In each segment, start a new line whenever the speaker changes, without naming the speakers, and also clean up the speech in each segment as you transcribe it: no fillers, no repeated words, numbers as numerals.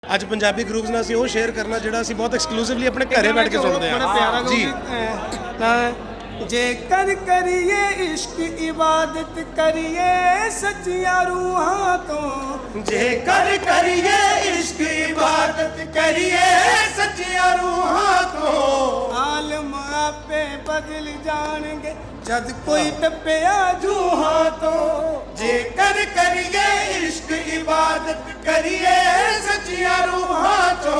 ਅੱਜ ਪੰਜਾਬੀ ਗਰੁੱਪਸ ਨਾਲ ਅਸੀਂ ਉਹ ਸ਼ੇਅਰ ਕਰਨਾ ਜਿਹੜਾ ਅਸੀਂ ਬਹੁਤ ਐਕਸਕਲੂਸਿਵਲੀ ਆਪਣੇ ਘਰੇ ਬੈਠ ਕੇ ਸੁਣਦੇ ਹਾਂ ਜੀ।
जेकर करिए इश्क इबादत करिए सच्चिया रूहां तो
जेकर करिए इश्क इबादत करिए सच्चिया रूहां तो
आलम आपे बदल जाएंगे जद कोई टप्पिया जूहां तो
जेकर करिए इश्क इबादत करिए सच्चिया रूहां तो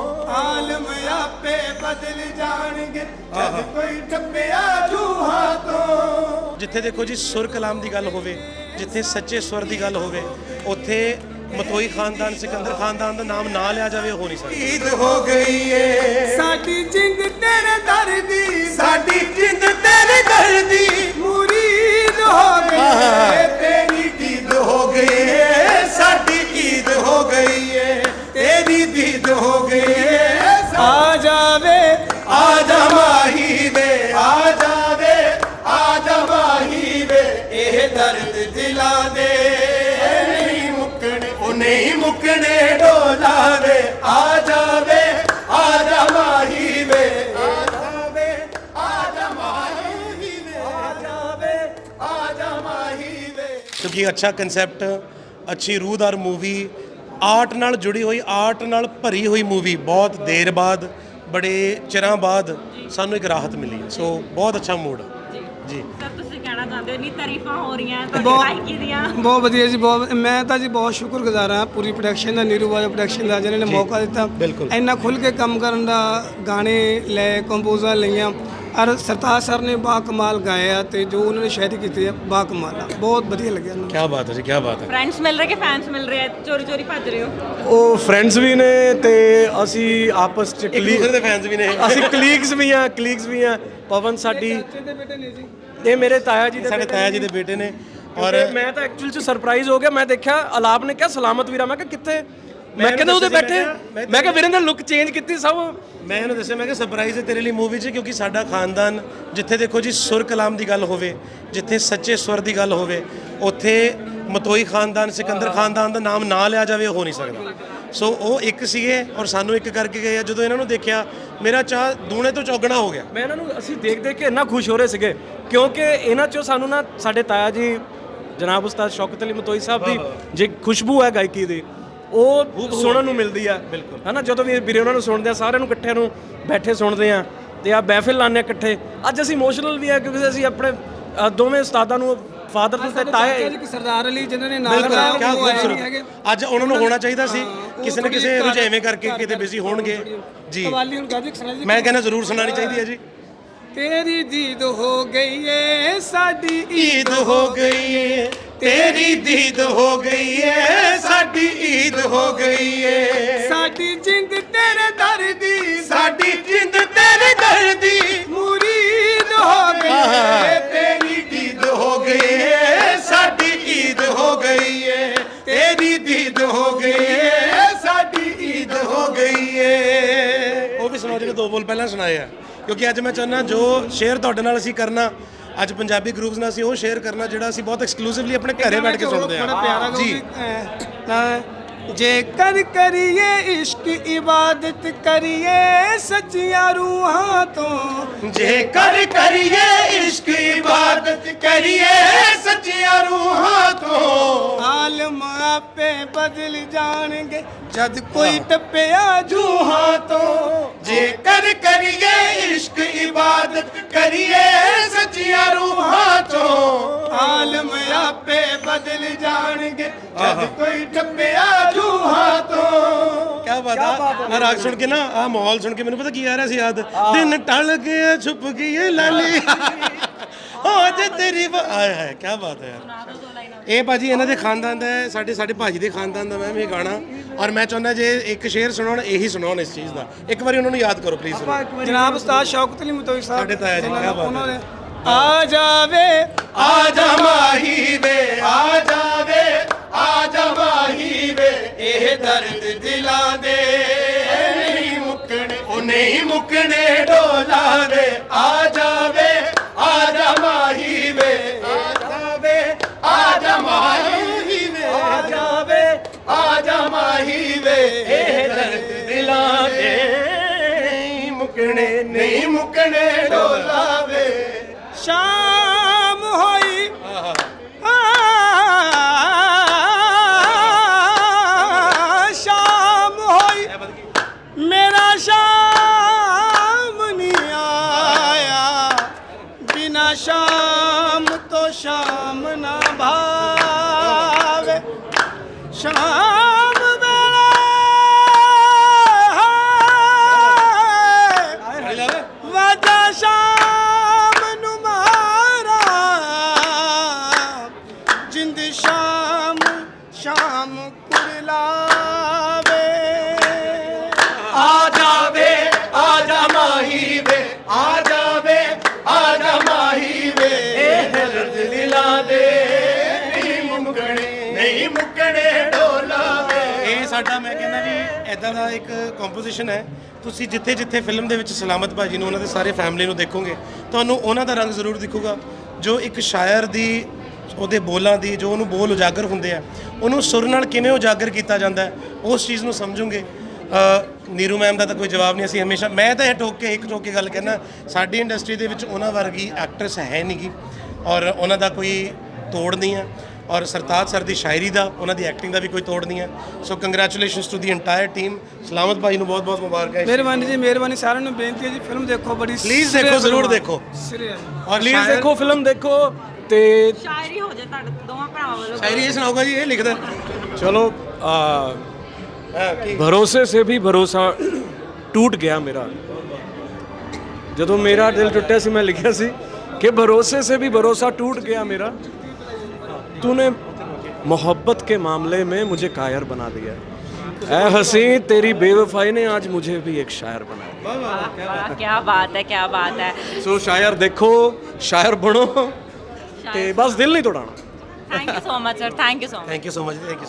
आलम आपे बदल जाएंगे जद कोई टप्पिया जूहां तो।
ਜਿੱਥੇ ਦੇਖੋ ਜੀ ਸੁਰ ਕਲਾਮ ਦੀ ਗੱਲ ਹੋਵੇ, ਜਿੱਥੇ ਸੱਚੇ ਸਵਰ ਦੀ ਗੱਲ ਹੋਵੇ, ਉੱਥੇ ਮਤੋਈ ਖਾਨਦਾਨ ਸਿਕੰਦਰ ਖਾਨਦਾਨ ਦਾ ਨਾਮ ਨਾ ਲਿਆ ਜਾਵੇ ਹੋ ਨਹੀਂ ਸਕਦਾ।
ईद हो गई है साडी जिंद तेरे दर दी
ਸਾਡੀ ਜਿੰਦ ਤੇਰੇ ਦਰ ਦੀ
मुरीद हो गई है तेरी
ईद हो गई है साडी ईद हो गई है तेरी दीद हो गई है।
आ जावे
आजा माही वे आ जावे आजा माही वे
ਇਹ ਦਰਦ ਦਿਲਾਂ ਦੇ
नहीं मुकने ओ नहीं मुकने डोला वे आ जावे आजा माही वे आ जावे आजा माही वे आ जावे आजा माही वे। क्योंकि अच्छा कंसेप्ट, अच्छी रूहदार मूवी, ਆਰਟ ਨਾਲ ਜੁੜੀ ਹੋਈ, ਆਰਟ ਨਾਲ ਭਰੀ ਹੋਈ ਮੂਵੀ ਬਹੁਤ ਦੇਰ ਬਾਅਦ, ਬੜੇ ਚਿਰਾਂ ਬਾਅਦ ਸਾਨੂੰ ਇੱਕ ਰਾਹਤ ਮਿਲੀ ਹੈ। ਸੋ ਬਹੁਤ ਅੱਛਾ ਮੂਡ ਜੀ।
ਸਰ ਤੁਸੀਂ ਕਹਿਣਾ ਚਾਹੁੰਦੇ ਹੋ, ਨਹੀਂ ਤਾਰੀਫਾਂ ਹੋ ਰਹੀਆਂ ਤੁਹਾਡੀ ਗਾਇਕੀ ਦੀਆਂ?
ਬਹੁਤ ਵਧੀਆ ਜੀ, ਬਹੁਤ ਮੈਂ ਤਾਂ ਜੀ ਬਹੁਤ ਸ਼ੁਕਰਗੁਜ਼ਾਰ ਹਾਂ ਪੂਰੀ ਪ੍ਰੋਡਕਸ਼ਨ ਦਾ, ਨੀਰੂ ਬਾਜਵਾ ਪ੍ਰੋਡਕਸ਼ਨ ਦਾ, ਜਿਹਨਾਂ ਨੇ ਮੌਕਾ ਦਿੱਤਾ
ਬਿਲਕੁਲ।
ਇੰਨਾ ਖੁੱਲ੍ਹ ਕੇ ਕੰਮ ਕਰਨ ਦਾ। ਗਾਣੇ ਲੈ, ਕੰਪੋਜ਼ਰ ਲਈਆਂ, ਔਰ ਸਰਤਾਜ ਸਰ ਨੇ ਬਾ ਕਮਾਲ ਗਾਇਆ ਤੇ ਜੋ ਉਹਨਾਂ ਨੇ ਸ਼ਾਇਰੀ ਕੀਤੀ ਹੈ ਬਾ ਕਮਾਲ ਆ, ਬਹੁਤ ਵਧੀਆ ਲੱਗਿਆ ਮੈਨੂੰ।
ਕੀ ਬਾਤ ਹੈ ਜੀ, ਕੀ ਬਾਤ ਹੈ।
ਫਰੈਂਡਸ ਮਿਲ ਰਹੇ ਕਿ ਫੈਨਸ ਮਿਲ ਰਹੇ ਆ? ਚੋਰੀ ਚੋਰੀ ਭੱਜ ਰਹੇ ਹੋ?
ਉਹ ਫਰੈਂਡਸ ਵੀ ਨੇ ਤੇ ਅਸੀਂ ਆਪਸ ਚ
ਇੱਕ ਦੂਸਰੇ ਦੇ ਫੈਨਸ ਵੀ ਨੇ।
ਅਸੀਂ ਕਲੀਗਸ ਵੀ ਆ ਪਵਨ ਸਾਡੀ
ਦੇ ਬੇਟੇ ਨੇ ਜੀ,
ਇਹ ਮੇਰੇ ਤਾਇਆ ਜੀ ਦੇ
ਸਾਡੇ ਤਾਇਆ ਜੀ ਦੇ ਬੇਟੇ ਨੇ। ਔਰ
ਔਰ ਮੈਂ ਤਾਂ ਐਕਚੁਅਲ ਚ ਸਰਪ੍ਰਾਈਜ਼ ਹੋ ਗਿਆ। ਮੈਂ ਦੇਖਿਆ ਅਲਾਪ ਨੇ ਕਿਹਾ ਸਲਾਮਤ ਵੀਰਾ, ਮੈਂ ਕਿਹਾ ਕਿੱਥੇ? ਮੈਂ ਕਹਿੰਦਾ ਉਹਦੇ ਬੈਠੇ। ਮੈਂ ਕਿਹਾ ਵੀਰੇ ਨੇ ਲੁੱਕ ਚੇਂਜ ਕੀਤੀ ਸਭ।
ਮੈਂ ਇਹਨੂੰ ਦੱਸਿਆ, ਮੈਂ ਕਿਹਾ ਸਰਪ੍ਰਾਈਜ਼ ਹੈ ਤੇਰੇ ਲਈ ਮੂਵੀ 'ਚ, ਕਿਉਂਕਿ ਸਾਡਾ ਖਾਨਦਾਨ ਜਿੱਥੇ ਦੇਖੋ ਜੀ ਸੁਰ ਕਲਾਮ ਦੀ ਗੱਲ ਹੋਵੇ, ਜਿੱਥੇ ਸੱਚੇ ਸਵਰ ਦੀ ਗੱਲ ਹੋਵੇ, ਉੱਥੇ ਮਤੋਈ ਖਾਨਦਾਨ ਸਿਕੰਦਰ ਖਾਨਦਾਨ ਦਾ ਨਾਮ ਨਾ ਲਿਆ ਜਾਵੇ ਹੋ ਨਹੀਂ ਸਕਦਾ। ਸੋ ਉਹ ਇੱਕ ਸੀਗੇ ਔਰ ਸਾਨੂੰ ਇੱਕ ਕਰਕੇ ਗਏ ਆ। ਜਦੋਂ ਇਹਨਾਂ ਨੂੰ ਦੇਖਿਆ ਮੇਰਾ ਚਾਹ ਦੂਣੇ ਤੋਂ ਚੌਗਣਾ ਹੋ ਗਿਆ।
ਮੈਂ ਇਹਨਾਂ ਨੂੰ ਅਸੀਂ ਦੇਖ ਕੇ ਇੰਨਾ ਖੁਸ਼ ਹੋ ਰਹੇ ਸੀਗੇ ਕਿਉਂਕਿ ਇਹਨਾਂ ਚੋਂ ਸਾਨੂੰ ਨਾ ਸਾਡੇ ਤਾਇਆ ਜੀ ਜਨਾਬ ਉਸਤਾਦ ਸ਼ੌਕਤ ਅਲੀ ਮਤੋਈ ਸਾਹਿਬ ਦੀ ਜੇ ਖੁਸ਼ਬੂ ਹੈ ਗਾਇਕੀ ਦੀ, ਉਹ ਸੁਣਨ ਨੂੰ ਮਿਲਦੀ ਆ।
ਬਿਲਕੁਲ।
ਹਨਾ ਜਦੋਂ ਵੀ ਵੀਰੇ ਉਹਨਾਂ ਨੂੰ ਸੁਣਦੇ ਆ, ਸਾਰਿਆਂ ਨੂੰ ਇਕੱਠਿਆਂ ਨੂੰ ਬੈਠੇ ਸੁਣਦੇ ਆ ਤੇ ਆ ਮਹਿਫਿਲ ਲਾਉਂਦੇ ਆ ਇਕੱਠੇ। ਅੱਜ ਅਸੀਂ ਇਮੋਸ਼ਨਲ ਵੀ ਆ ਕਿਉਂਕਿ ਅਸੀਂ ਆਪਣੇ ਦੋਵੇਂ ਉਸਤਾਦਾਂ ਨੂੰ, ਫਾਦਰ ਤੇ ਤਾਏ,
ਸਰਦਾਰ ਅਲੀ ਜਿਨ੍ਹਾਂ ਨੇ ਨਾਲ
ਬਿਲਕੁਲ,
ਗਾਇਆ,
ਕਿਆ
ਉਹ ਆਏ ਨਹੀਂ
ਖੂਬਸੂਰਤ।
ਹੈਗੇ।
ਅੱਜ ਉਹਨਾਂ ਨੂੰ ਹੋਣਾ ਚਾਹੀਦਾ ਸੀ, ਕਿਸੇ ਨਾ ਕਿਸੇ ਰੁਝੇਵੇਂ ਕਰਕੇ ਕਿਤੇ ਬਿਜ਼ੀ ਹੋਣਗੇ ਜੀ।
ਕਵਾਲੀ ਹੁਣ ਗਾਜੀ ਸੁਣਾ ਜੀ।
ਮੈਂ ਕਹਿੰਦਾ ਜ਼ਰੂਰ ਸੁਣਾਉਣੀ ਚਾਹੀਦੀ ਹੈ ਜੀ।
तेरी दीद हो गई है साडी
ईद हो गई है तेरी दीद हो गई है साडी ईद हो गई है
साडी जिंद तेरे दर दी
साडी जिंद तेरे दर दी
मुरीद हो गई है
तेरी दीद हो गई है साडी ईद हो गई है तेरी दीद हो गई है साडी ईद हो गई है। ਉਹ ਵੀ ਸੁਣਾਓ, ਜਿਹੜੇ ਦੋ ਬੋਲ ਪਹਿਲਾਂ ਸੁਣਾਏ ਆ, ਕਿਉਂਕਿ ਅੱਜ ਮੈਂ ਚਾਹੁੰਦਾ ਜੋ ਸ਼ੇਅਰ ਤੁਹਾਡੇ ਨਾਲ ਅਸੀਂ ਕਰਨਾ, ਅੱਜ ਪੰਜਾਬੀ ਗਰੁੱਪਸ ਨਾਲ ਅਸੀਂ ਉਹ ਸ਼ੇਅਰ ਕਰਨਾ ਜਿਹੜਾ ਅਸੀਂ ਬਹੁਤ ਐਕਸਕਲੂਸਿਵਲੀ ਆਪਣੇ ਘਰੇ ਬੈਠ ਕੇ ਸੁਣਦੇ
ਬੜਾ ਪਿਆਰਾ
ਹਾਂ ਜੀ।
जेकर करिए इश्क इबादत करिए सच्चिया रूहां तो
जेकर करिए इश्क इबादत करिए सच्चिया रूहां तो
आलम आपे बदल जाएंगे जद कोई टप्पिया जूहां तो
जेकर करिए इश्क इबादत करिए सच्चिया रूहां तो
आलम आपे बदल जाएंगे जद कोई टप्पिया जूहां तो।
क्या बात है। मैं राग सुन के ना आ माहौल सुन के मैंने पता की आ रहा सी याद, दिन टल गया छुप गई है लाली आज तेरी आया है। क्या बात है यार। ਇਹ ਭਾਜੀ ਇਹਨਾਂ ਦੇ ਖਾਨਦਾਨ ਦਾ ਹੈ, ਸਾਡੇ ਭਾਜੀ ਦੇ ਖਾਨਦਾਨ ਦਾ ਮੈਮ ਇਹ ਗਾਣਾ। ਔਰ ਮੈਂ ਚਾਹੁੰਦਾ ਜੇ ਇੱਕ ਸ਼ੇਰ ਸੁਣਾਉਣ, ਇਹੀ ਸੁਣਾਉਣ ਇਸ ਚੀਜ਼ ਦਾ। ਇੱਕ ਵਾਰੀ ਉਹਨਾਂ ਨੂੰ ਯਾਦ ਕਰੋ ਪਲੀਜ਼।
जनाब उस्ताद शौकत अली मुतोई साहब
ਸਾਡੇ ਤਾਇਆ ਜੀ, क्या बात है।
आ जावे
आजा माही वे आ जावे आजा माही वे
ਇਹ ਦਰਦ ਦਿਲਾਂ ਦੇ
नहीं मुकने ओ नहीं मुकने डोला वे आ जावे आजा माही वे आ जावे आजा माही वे आ जावे आजा माही वे ਮੁੱਕਣੇ ਨਹੀਂ ਮੁੱਕਣੇ ਢੋਲਾ ਵੇ
ਸ਼ਾਮ ਹੋਈ ਸ਼ਾਮ ਹੋਈ ਮੇਰਾ ਸ਼ਾਮ ਨਹੀਂ ਆਇਆ ਬਿਨਾ ਸ਼ਾਮ ਤੋਂ ਸ਼ਾਮ ਨਾ ਭਾਵੇ ਸ਼ਾਮ ਵੇਲੇ ਵਾਜਾ ਸ਼ਾਮ ਨੂੰ ਮਾਰਾ ਜਿੰਦ ਸ਼ਾਮ ਸ਼ਾਮ ਕੁਰਲਾਵੇ
ਆ ਜਾਵੇ ਆ ਜਾ ਮਾਹੀ ਵੇ ਆ ਜਾਵੇ ਆ ਜਾ ਮਾਹੀ ਵੇ ਇਹ ਦਿਲ ਦਿਲਾਂ ਦੇ ਨਹੀਂ ਮੁੱਕਣੇ ਢੋਲਾ ਵੇ ਇਹ ਸਾਡਾ ਮੈਂ ਕਹਿੰਦਾ ਵੀ ਇਦਾਂ ਦਾ ਇੱਕ ਕੰਪੋਜੀਸ਼ਨ ਹੈ ਤੁਸੀਂ ਜਿੱਥੇ ਜਿੱਥੇ ਫਿਲਮ ਦੇ ਵਿੱਚ ਸਲਾਮਤ ਭਾਜੀ ਨੂੰ ਉਹਨਾਂ ਦੇ ਸਾਰੇ ਫੈਮਿਲੀ ਨੂੰ ਦੇਖੋਗੇ ਤੁਹਾਨੂੰ ਉਹਨਾਂ ਦਾ ਰੰਗ ਜ਼ਰੂਰ ਦਿਖੂਗਾ ਜੋ ਇੱਕ ਸ਼ਾਇਰ ਦੀ ਉਹਦੇ ਬੋਲਾਂ ਦੀ ਜੋ ਉਹਨੂੰ ਬੋਲ ਉਜਾਗਰ ਹੁੰਦੇ ਆ ਉਹਨੂੰ ਸੁਰ ਨਾਲ ਕਿਵੇਂ ਉਜਾਗਰ ਕੀਤਾ ਜਾਂਦਾ ਹੈ ਉਸ ਚੀਜ਼ ਨੂੰ ਸਮਝੋਗੇ ਨੀਰੂ ਮੈਮ ਦਾ ਤਾਂ ਕੋਈ ਜਵਾਬ ਨਹੀਂ ਅਸੀਂ ਹਮੇਸ਼ਾ ਮੈਂ ਤਾਂ ਇਹ ਠੋਕ ਕੇ ਗੱਲ ਕਹਿਣਾ ਸਾਡੀ ਇੰਡਸਟਰੀ ਦੇ ਵਿੱਚ ਉਹਨਾਂ ਵਰਗੀ ਐਕਟਰੈਸ ਹੈ ਨਹੀਂ ਗੀ ਔਰ ਉਹਨਾਂ ਦਾ ਕੋਈ ਤੋੜ ਨਹੀਂ ਹੈ ਔਰ ਸਰਤਾਜ ਸਰ ਦੀ ਸ਼ਾਇਰੀ ਦਾ ਉਹਨਾਂ ਦੀ ਐਕਟਿੰਗ ਦਾ ਵੀ ਕੋਈ ਤੋੜ ਨਹੀਂ ਹੈ so congratulations to the entire team Salamat ਭਾਈ ਨੂੰ ਬਹੁਤ ਬਹੁਤ ਮੁਬਾਰਕਾਂ
ਮਿਹਰਬਾਨੀ ਜੀ ਮਿਹਰਬਾਨੀ ਸਾਰਿਆਂ ਨੂੰ ਬੇਨਤੀ ਹੈ ਜੀ ਫਿਲਮ ਦੇਖੋ ਬੜੀ
ਪਲੀਜ਼ ਦੇਖੋ ਜ਼ਰੂਰ ਦੇਖੋ
ਸਿਰੇ ਹੈ
ਔਰ
ਪਲੀਜ਼ ਦੇਖੋ ਫਿਲਮ ਦੇਖੋ ਤੇ
ਸ਼ਾਇਰੀ ਹੋ ਜਾਏ ਤੁਹਾਡੇ ਦੋਵਾਂ ਭਰਾਵਾਂ ਵੱਲੋਂ
ਸ਼ਾਇਰੀ ਇਹ ਸੁਣਾਊਗਾ ਜੀ ਇਹ ਲਿਖਦਾ
ਚਲੋ भरोसे से भी भरोसा टूट गया मेरा ਜਦੋਂ ਮੇਰਾ ਦਿਲ ਟੁੱਟਿਆ ਸੀ ਮੈਂ ਲਿਖਿਆ ਸੀ ਕਿ भरोसे से भी भरोसा टूट गया मेरा तूने मोहब्बत के मामले में मुझे कायर बना दिया ऐ हसी तेरी बेवफाई ने आज मुझे भी एक शायर बनाया
ਵਾਹ ਕੀ ਬਾਤ ਹੈ
ਸੋ ਸ਼ਾਇਰ ਦੇਖੋ ਸ਼ਾਇਰ ਬਣੋ ਤੇ ਬਸ ਦਿਲ ਨਹੀਂ ਤੋੜਾਣਾ
thank you so much sir thank you so much
thank you so much thank you